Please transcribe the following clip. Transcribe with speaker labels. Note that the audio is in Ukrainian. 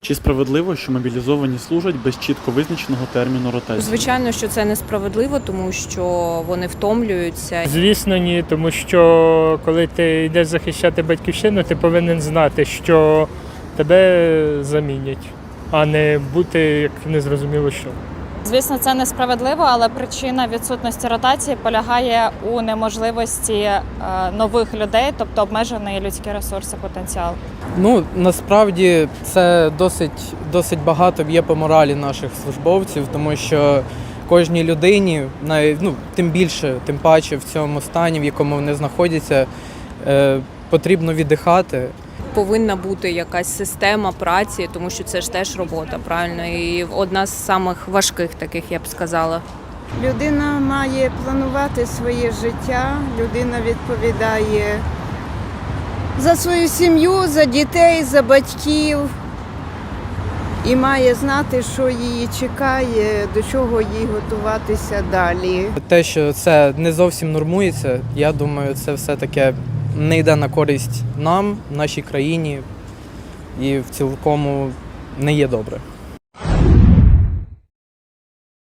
Speaker 1: Чи справедливо, що мобілізовані служать без чітко визначеного терміну ротації?
Speaker 2: Звичайно, що це несправедливо, тому що вони втомлюються.
Speaker 3: Звісно, ні, тому що коли ти йдеш захищати батьківщину, ти повинен знати, що тебе замінять, а не бути як незрозуміло що.
Speaker 4: Звісно, це несправедливо, але причина відсутності ротації полягає у неможливості нових людей, тобто обмежений людський ресурс і потенціал.
Speaker 5: Насправді це досить багато б'є по моралі наших службовців, тому що кожній людині, тим паче в цьому стані, в якому вони знаходяться, потрібно віддихати.
Speaker 2: Повинна бути якась система праці, тому що це ж теж робота, правильно? І одна з самих важких таких, я б сказала.
Speaker 6: Людина має планувати своє життя, людина відповідає за свою сім'ю, за дітей, за батьків і має знати, що її чекає, до чого їй готуватися далі.
Speaker 5: Те, що це не зовсім нормується, я думаю, це все-таки не йде на користь нам, нашій країні і в цілому не є добре.